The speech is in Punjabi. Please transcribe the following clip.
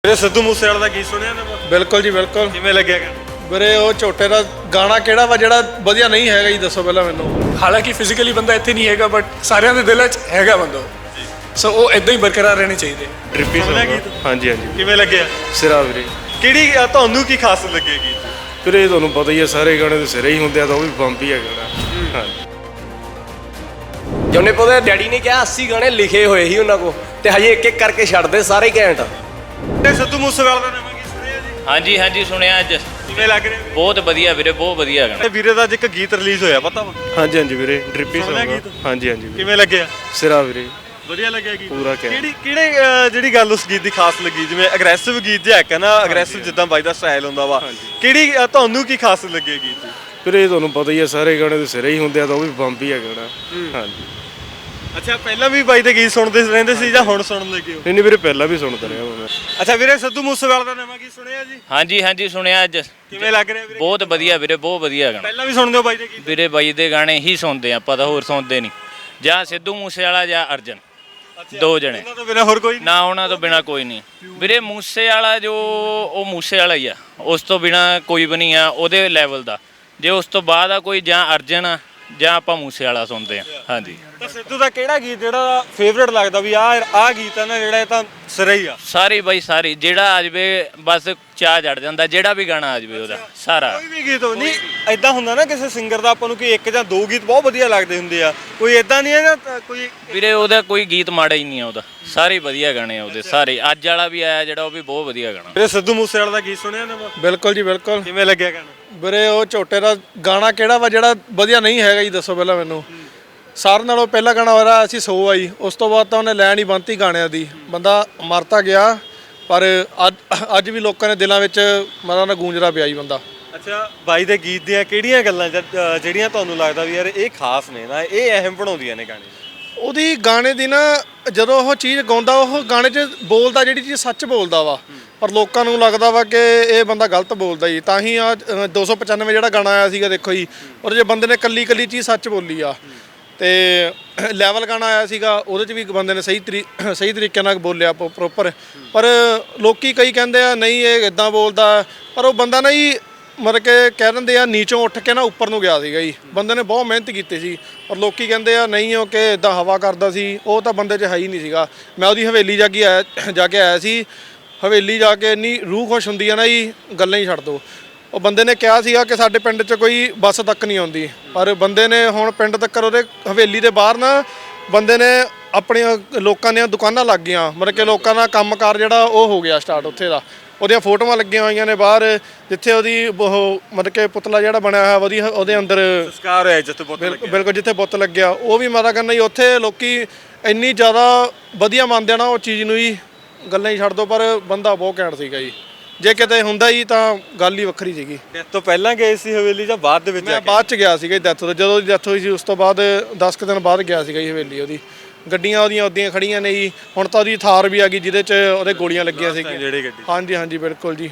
ਵੀਰੇ ਸਿੱਧੂ ਮੂਸੇਵਾਲੇ ਦਾ ਗੀਤ ਸੁਣਿਆ ਨਾ? ਬਿਲਕੁਲ ਜੀ ਬਿਲਕੁਲ। ਕਿਵੇਂ ਲੱਗਿਆ ਗਾ? ਵੀਰੇ ਉਹ ਝੋਟੇ ਦਾ ਗਾਣਾ ਕਿਹੜਾ ਵਾ ਜਿਹੜਾ ਵਧੀਆ ਨਹੀਂ ਹੈਗਾ ਜੀ, ਦੱਸੋ ਪਹਿਲਾਂ ਮੈਨੂੰ। ਹਾਲਾਂਕਿ ਫਿਜ਼ੀਕਲੀ ਬੰਦਾ ਇੱਥੇ ਨਹੀਂ ਹੈਗਾ ਬਟ ਸਾਰਿਆਂ ਦੇ ਦਿਲਾਂ 'ਚ ਹੈਗਾ ਬੰਦਾ, ਸੋ ਉਹ ਇਦਾਂ ਹੀ ਬਰਕਰਾਰ ਰਹਿਣੇ ਚਾਹੀਦੇ। ਟ੍ਰਿਪੀ ਸੁਣਿਆ ਸੌਂਗ ਗੀਤ? ਹਾਂਜੀ ਹਾਂਜੀ ਕਿਵੇਂ ਲੱਗਿਆ? ਸਿਰਾ ਵੀਰੇ। ਕਿਹੜੀ ਤੁਹਾਨੂੰ ਕੀ ਖਾਸ ਲੱਗੀ ਗੀਤ? ਵੀਰੇ ਤੁਹਾਨੂੰ ਪਤਾ ਹੀ ਹੈ ਸਾਰੇ ਗਾਣੇ ਦੇ ਸਿਰੇ ਹੀ ਹੁੰਦੇ ਆ, ਤਾਂ ਉਹ ਵੀ ਬੰਬ ਹੀ ਹੈਗਾ ਨਾ। ਹਾਂਜੀ ਜੋਨੇ ਪੋਦੇ ਡੈਡੀ ਨੇ ਕਿਹਾ 80 ਗਾਣੇ ਲਿਖੇ ਹੋਏ ਸੀ ਉਹਨਾਂ ਕੋ, ਤੇ ਹਜੇ ਇੱਕ ਇੱਕ ਕਰਕੇ ਛੱਡਦੇ ਸਾਰੇ ਹੀ ਘੈਂਟ। ਤੇ ਸਿੱਧੂ ਮੂਸੇਵਾਲੇ ਦਾ ਨਵਾਂ ਗੀਤ ਸੁਣਿਆ ਜੀ? ਹਾਂਜੀ ਹਾਂਜੀ ਸੁਣਿਆ ਅੱਜ। ਕਿਵੇਂ ਲੱਗ ਰਿਹਾ? ਬਹੁਤ ਵਧੀਆ ਵੀਰੇ, ਬਹੁਤ ਵਧੀਆ ਗਾਣਾ। ਤੇ ਵੀਰੇ ਦਾ ਅੱਜ ਇੱਕ ਗੀਤ ਰਿਲੀਜ਼ ਹੋਇਆ, ਪਤਾ ਵਾ? ਹਾਂਜੀ ਹਾਂਜੀ ਵੀਰੇ। ਟ੍ਰਿਪੀ ਸੁਣਿਆ ਸੌਂਗ ਗੀਤ? ਹਾਂਜੀ ਹਾਂਜੀ ਵੀਰੇ। ਕਿਵੇਂ ਲੱਗਿਆ? ਸਿਰਾ ਵੀਰੇ। ਵਧੀਆ ਲੱਗਿਆ ਗੀਤ? ਪੂਰਾ ਘੈਂਟ। ਕਿਹੜੇ ਜਿਹੜੀ ਗੱਲ ਉਸ ਗੀਤ ਦੀ ਖਾਸ ਲੱਗੀ? ਜਿਵੇਂ ਅਗਰੈਸਿਵ ਗੀਤ ਜਿਹਾ ਹੈ ਨਾ, ਅਗਰੈਸਿਵ ਜਿੱਦਾਂ ਬਾਈ ਦਾ ਸਟਾਈਲ ਹੁੰਦਾ ਵਾ, ਕਿਹੜੀ ਤੁਹਾਨੂੰ ਕੀ ਖਾਸ ਲੱਗੀ ਗੀਤ ਦੀ? ਵੀਰੇ ਤੁਹਾਨੂੰ ਪਤਾ ਹੀ ਹੈ ਸਾਰੇ ਗਾਣੇ ਦੇ ਸਿਰੇ ਹੀ ਹੁੰਦੇ ਆ, ਤਾਂ ਉਹ ਵੀ ਬੰਬ ਹੀ ਹੈਗਾ ਨਾ। ਹਾਂਜੀ। ਅੱਛਾ, ਪਹਿਲਾਂ ਵੀ ਬਾਈ ਦੇ ਗੀਤ ਸੁਣਦੇ ਰਹਿੰਦੇ ਸੀ ਜਾਂ ਹੁਣ ਸੁਣਨ ਲੱਗੇ ਹੋ? ਨਹੀਂ ਵੀਰੇ, ਪਹਿਲਾਂ ਵੀ ਸੁਣਦਾ ਰਿਹਾ ਮੈਂ। ਅੱਛਾ ਵੀਰੇ, ਸਿੱਧੂ ਮੂਸੇਵਾਲੇ ਦਾ ਨਵਾਂ ਗੀਤ ਸੁਣਿਆ ਜੀ? ਹਾਂਜੀ ਹਾਂਜੀ ਸੁਣਿਆ ਅੱਜ। ਕਿਵੇਂ ਲੱਗ ਰਿਹਾ ਵੀਰੇ? ਬਹੁਤ ਵਧੀਆ ਵੀਰੇ, ਬਹੁਤ ਵਧੀਆ ਗਾਣਾ। ਪਹਿਲਾਂ ਵੀ ਸੁਣਦੇ ਹੋ ਬਾਈ ਦੇ ਗੀਤ? ਵੀਰੇ ਬਾਈ ਦੇ ਗਾਣੇ ਹੀ ਸੁਣਦੇ ਆਪਾਂ, ਤਾਂ ਹੋਰ ਸੁਣਦੇ ਨਹੀਂ। ਜਾਂ ਸਿੱਧੂ ਮੂਸੇਵਾਲਾ ਜਾਂ ਅਰਜਨ, ਦੋ ਜਣੇ। ਉਹਨਾਂ ਤੋਂ ਬਿਨਾਂ ਹੋਰ ਕੋਈ ਨਹੀਂ? ਨਾ ਉਹਨਾਂ ਤੋਂ ਬਿਨਾ ਕੋਈ ਨਹੀਂ ਵੀਰੇ। ਮੂਸੇਵਾਲਾ ਜੋ ਉਹ ਮੂਸੇਵਾਲਾ ਹੀ ਆ, ਉਸ ਤੋਂ ਬਿਨਾ ਕੋਈ ਵੀ ਨਹੀਂ ਆ ਉਹਦੇ ਲੈਵਲ ਦਾ। ਜੇ ਉਸ ਤੋਂ ਬਾਅਦ ਆ ਕੋਈ, ਜਾਂ ਅਰਜਨ ਆ ਜਾਂ ਆਪਾਂ ਮੂਸੇਵਾਲਾ ਸੁਣਦੇ ਆ। ਹਾਂਜੀ। ਤਾਂ ਸਿੱਧੂ ਦਾ ਕਿਹੜਾ ਗੀਤ ਜਿਹੜਾ ਫੇਵਰੇਟ ਲੱਗਦਾ ਵੀ ਆਹ ਗੀਤ ਹੈ ਨਾ ਜਿਹੜਾ, ਇਹ ਤਾਂ ਸਿਰਾ ਹੀ ਆ? ਸਾਰੀ ਬਾਈ ਸਾਰੀ, ਜਿਹੜਾ ਆ ਜਾਵੇ ਬਸ ਚਾਹ ਜੜ ਜਾਂਦਾ, ਜਿਹੜਾ ਵੀ ਗਾਣਾ ਆ ਜਾਵੇ ਉਹਦਾ ਸਾਰਾ। ਕੋਈ ਵੀ ਗੀਤ ਹੋ ਨਹੀਂ ਐਦਾਂ ਹੁੰਦਾ ਨਾ, ਕਿਸੇ ਸਿੰਗਰ ਦਾ ਆਪਾਂ ਨੂੰ ਕੋਈ ਇੱਕ ਜਾਂ ਦੋ ਗੀਤ ਬਹੁਤ ਵਧੀਆ ਲੱਗਦੇ ਹੁੰਦੇ ਆ, ਕੋਈ ਐਦਾਂ ਨਹੀਂ ਹੈ ਨਾ ਕੋਈ? ਵੀਰੇ ਉਹਦਾ ਕੋਈ ਗੀਤ ਮਾੜਾ ਹੀ ਨਹੀਂ ਆ, ਉਹਦਾ ਸਾਰੇ ਵਧੀਆ ਗਾਣੇ ਆ ਉਹਦੇ ਸਾਰੇ। ਅੱਜ ਵਾਲਾ ਵੀ ਆਇਆ ਜਿਹੜਾ, ਉਹ ਵੀ ਬਹੁਤ ਵਧੀਆ ਗਾਣਾ। ਵੀਰੇ ਸਿੱਧੂ ਮੂਸੇਵਾਲੇ ਦਾ ਗੀਤ ਸੁਣਿਆ ਨਾ? ਬਿਲਕੁਲ ਜੀ ਬਿਲਕੁਲ। ਕਿਵੇਂ ਲੱਗਿਆ ਗਾਣਾ? ਵੀਰੇ ਉਹ ਝੋਟੇ ਦਾ ਗਾਣਾ ਕਿਹੜਾ ਵਾ ਜਿਹੜਾ ਵਧੀਆ ਨਹੀਂ ਹੈਗਾ ਜੀ, ਦੱਸੋ ਪਹਿਲਾਂ ਮੈਨੂੰ। ਸਾਰਿਆਂ ਨਾਲੋਂ ਪਹਿਲਾ ਗਾਣਾ ਹੋਇਆ ਅਸੀਂ ਸੋ ਆਈ, ਉਸ ਤੋਂ ਬਾਅਦ ਤਾਂ ਉਹਨੇ ਲੈਣ ਹੀ ਬੰਨਤੀ ਗਾਣਿਆਂ ਦੀ। ਬੰਦਾ ਮਰਤਾ ਗਿਆ, ਪਰ ਅੱਜ ਵੀ ਲੋਕਾਂ ਦੇ ਦਿਲਾਂ ਵਿੱਚ ਮਰਾਂ ਦਾ ਗੂੰਜਦਾ ਪਿਆ ਜੀ ਬੰਦਾ। ਅੱਛਾ, ਬਾਈ ਦੇ ਗੀਤ ਦੀਆਂ ਕਿਹੜੀਆਂ ਗੱਲਾਂ ਜਿਹੜੀਆਂ ਤੁਹਾਨੂੰ ਲੱਗਦਾ ਵੀ ਯਾਰ ਇਹ ਖਾਸ ਨੇ ਨਾ, ਇਹ ਅਹਿਮ ਬਣਾਉਂਦੀਆਂ ਨੇ ਗਾਣੇ? ਉਹਦੀ ਗਾਣੇ ਦੀ ਨਾ, ਜਦੋਂ ਉਹ ਚੀਜ਼ ਗਾਉਂਦਾ ਉਹ ਗਾਣੇ 'ਚ ਬੋਲਦਾ ਜਿਹੜੀ ਚੀਜ਼ ਸੱਚ ਬੋਲਦਾ ਵਾ, ਪਰ ਲੋਕਾਂ ਨੂੰ ਲੱਗਦਾ ਵਾ ਕਿ ਇਹ ਬੰਦਾ ਗਲਤ ਬੋਲਦਾ ਜੀ। ਤਾਂ ਹੀ ਆ 295 ਜਿਹੜਾ ਗਾਣਾ ਆਇਆ ਸੀਗਾ, ਦੇਖੋ ਜੀ, ਉਹਦੇ 'ਚ ਬੰਦੇ ਨੇ ਕੱਲੀ ਚੀਜ਼ ਸੱਚ ਬੋਲੀ ਆ। ਤੇ ਲੈਵਲ ਗਾਣਾ ਆਇਆ ਸੀਗਾ, ਉਹਦੇ 'ਚ ਵੀ ਬੰਦੇ ਨੇ ਸਹੀ ਤਰੀਕੇ ਨਾਲ ਬੋਲਿਆ ਪ੍ਰੋਪਰ। ਪਰ ਲੋਕੀ ਕਈ ਕਹਿੰਦੇ ਆ ਨਹੀਂ ਇਹ ਇਦਾਂ ਬੋਲਦਾ, ਪਰ ਉਹ ਬੰਦਾ ਨਾ ਜੀ ਮਤਲਬ ਕਿ ਕਹਿ ਦਿੰਦੇ ਆ ਨੀਚੋਂ ਉੱਠ ਕੇ ਨਾ ਉੱਪਰ ਨੂੰ ਗਿਆ ਸੀਗਾ ਜੀ। ਬੰਦੇ ਨੇ ਬਹੁਤ ਮਿਹਨਤ ਕੀਤੀ ਸੀ, ਪਰ ਲੋਕੀ ਕਹਿੰਦੇ ਆ ਨਹੀਂ ਉਹ ਕਿ ਇਦਾਂ ਹਵਾ ਕਰਦਾ ਸੀ, ਉਹ ਤਾਂ ਬੰਦੇ 'ਚ ਹੈ ਹੀ ਨਹੀਂ ਸੀਗਾ। ਮੈਂ ਉਹਦੀ ਹਵੇਲੀ ਜਾ ਕੇ ਆਇਆ ਸੀ, ਹਵੇਲੀ ਜਾ ਕੇ ਇੰਨੀ ਰੂਹ ਖੁਸ਼ ਹੁੰਦੀ ਆ ਨਾ ਜੀ, ਗੱਲਾਂ ਹੀ ਛੱਡ ਦਿਓ। ਉਹ ਬੰਦੇ ਨੇ ਕਿਹਾ ਸੀਗਾ ਕਿ ਸਾਡੇ ਪਿੰਡ 'ਚ ਕੋਈ ਬੱਸ ਤੱਕ ਨਹੀਂ ਆਉਂਦੀ, ਪਰ ਬੰਦੇ ਨੇ ਹੁਣ ਪਿੰਡ ਤੱਕ ਉਹਦੇ ਹਵੇਲੀ ਦੇ ਬਾਹਰ ਨਾ ਬੰਦੇ ਨੇ ਆਪਣੀਆਂ ਲੋਕਾਂ ਦੀਆਂ ਦੁਕਾਨਾਂ ਲੱਗ ਗਈਆਂ, ਮਤਲਬ ਕਿ ਲੋਕਾਂ ਦਾ ਕੰਮਕਾਰ ਜਿਹੜਾ ਉਹ ਹੋ ਗਿਆ ਸਟਾਰਟ ਉੱਥੇ ਦਾ। ਉਹਦੀਆਂ ਫੋਟੋਆਂ ਲੱਗੀਆਂ ਹੋਈਆਂ ਨੇ ਬਾਹਰ, ਜਿੱਥੇ ਉਹਦੀ ਉਹ ਮਤਲਬ ਕਿ ਪੁਤਲਾ ਜਿਹੜਾ ਬਣਿਆ ਹੋਇਆ ਵਧੀਆ, ਉਹਦੇ ਅੰਦਰ ਸੰਸਕਾਰ ਹੋਇਆ ਜਿੱਥੇ ਬੁੱਤ ਲੱਗਿਆ। ਬਿਲਕੁਲ ਜਿੱਥੇ ਬੁੱਤ ਲੱਗਿਆ, ਉਹ ਵੀ ਮਾਤਾ ਕਰਨਾ ਜੀ। ਉੱਥੇ ਲੋਕੀ ਇੰਨੀ ਜ਼ਿਆਦਾ ਵਧੀਆ ਮੰਨਦੇ ਆ ਨਾ ਉਹ ਚੀਜ਼ ਨੂੰ ਜੀ, ਗੱਲਾਂ ਹੀ ਛੱਡ ਦਿਓ। ਪਰ ਬੰਦਾ ਬਹੁਤ ਘੈਂਟ ਸੀਗਾ ਜੀ, ਜੇ ਕਿਤੇ ਹੁੰਦਾ ਹੀ ਤਾਂ ਗੱਲ ਹੀ ਵੱਖਰੀ ਸੀਗੀ। ਡੈਥ ਤੋਂ ਪਹਿਲਾਂ ਗਏ ਸੀ ਹਵੇਲੀ ਜਾਂ ਬਾਅਦ ਦੇ ਵਿੱਚ? ਮੈਂ ਬਾਅਦ 'ਚ ਗਿਆ ਸੀਗਾ ਡੈਥ ਤੋਂ, ਜਦੋਂ ਡੈਥ ਹੋਈ ਸੀ ਉਸ ਤੋਂ ਬਾਅਦ 10 ਕੁ ਦਿਨ ਬਾਅਦ ਗਿਆ ਸੀਗਾ ਜੀ ਹਵੇਲੀ ਉਹਦੀ। ਗੱਡੀਆਂ ਉਹਦੀਆਂ ਉੱਦੀਆਂ ਖੜੀਆਂ ਨੇ ਜੀ, ਹੁਣ ਤਾਂ ਉਹਦੀ ਥਾਰ ਵੀ ਆ ਗਈ ਜਿਹਦੇ 'ਚ ਉਹਦੇ ਗੋਲੀਆਂ ਲੱਗੀਆਂ ਸੀਗੀਆਂ। ਜਿਹੜੀ ਗੱਡੀ? ਹਾਂਜੀ ਹਾਂਜੀ ਬਿਲਕੁਲ ਜੀ।